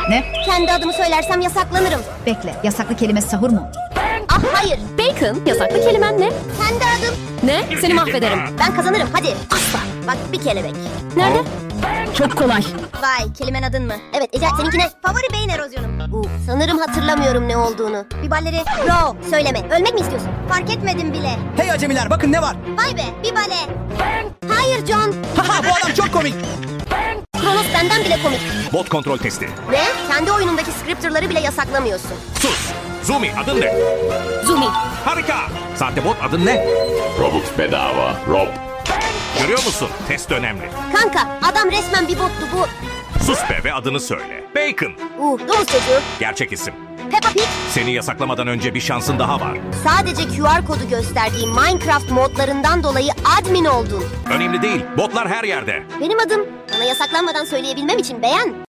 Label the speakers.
Speaker 1: Ne?
Speaker 2: Kendi adımı söylersem yasaklanırım.
Speaker 1: Bekle, yasaklı kelime sahur mu?
Speaker 2: Ah hayır.
Speaker 3: Bacon, yasaklı kelimen ne?
Speaker 2: Kendi adım.
Speaker 3: Ne? Seni mahvederim.
Speaker 2: Ben kazanırım hadi. Asla. Bak bir kelebek.
Speaker 3: Nerede?
Speaker 1: Çok kolay.
Speaker 2: Vay kelimen adın mı? Evet Ece seninki ne? Favori beyin erozyonum. Sanırım hatırlamıyorum ne olduğunu. Biballeri bro söyleme. Ölmek mi istiyorsun? Fark etmedim bile.
Speaker 4: Hey acemiler bakın ne var.
Speaker 2: Vay be bibale. Hayır John.
Speaker 4: Haha bu adam çok komik.
Speaker 2: Kronos benden bile komik.
Speaker 5: Bot kontrol testi.
Speaker 2: Ne? Kendi oyunundaki scripter'ları bile yasaklamıyorsun.
Speaker 5: Sus. Zumi adın ne?
Speaker 2: Zumi.
Speaker 5: Harika. Sahte bot adın ne?
Speaker 6: Robux bedava. Rob.
Speaker 5: Görüyor musun? Test önemli.
Speaker 2: Kanka adam resmen bir bottu bu.
Speaker 5: Sus be ve adını söyle. Bacon.
Speaker 2: Domuz çocuğu.
Speaker 5: Gerçek isim.
Speaker 2: Peppa Pig.
Speaker 5: Seni yasaklamadan önce bir şansın daha var.
Speaker 2: Sadece QR kodu gösterdiği Minecraft modlarından dolayı admin oldun.
Speaker 5: Önemli değil. Botlar her yerde.
Speaker 2: Benim adım. Bana yasaklanmadan söyleyebilmem için beğen.